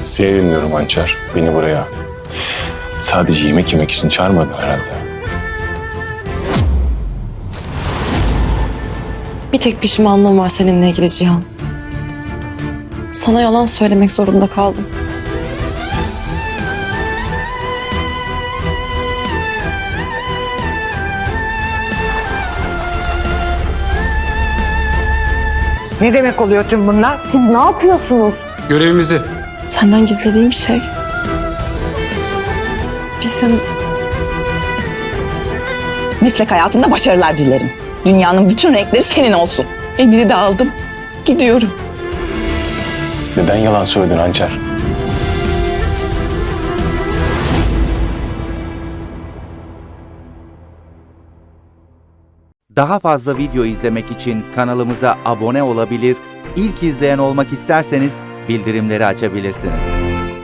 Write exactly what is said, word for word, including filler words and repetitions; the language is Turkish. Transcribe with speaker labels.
Speaker 1: Seni dinliyorum Hançer. Beni buraya sadece yemek yemek için çağırmadın herhalde.
Speaker 2: Bir tek pişmanlığım var seninle ilgili Cihan. Sana yalan söylemek zorunda kaldım.
Speaker 3: Ne demek oluyor tüm bunlar?
Speaker 2: Siz ne yapıyorsunuz?
Speaker 4: Görevimizi.
Speaker 2: Senden gizlediğim şey... Bizim...
Speaker 5: Meslek hayatında başarılar dilerim. Dünyanın bütün renkleri senin olsun. Emiri de aldım. Gidiyorum.
Speaker 1: Neden yalan söyledin Hançer?
Speaker 6: Daha fazla video izlemek için kanalımıza abone olabilir, ilk izleyen olmak isterseniz bildirimleri açabilirsiniz.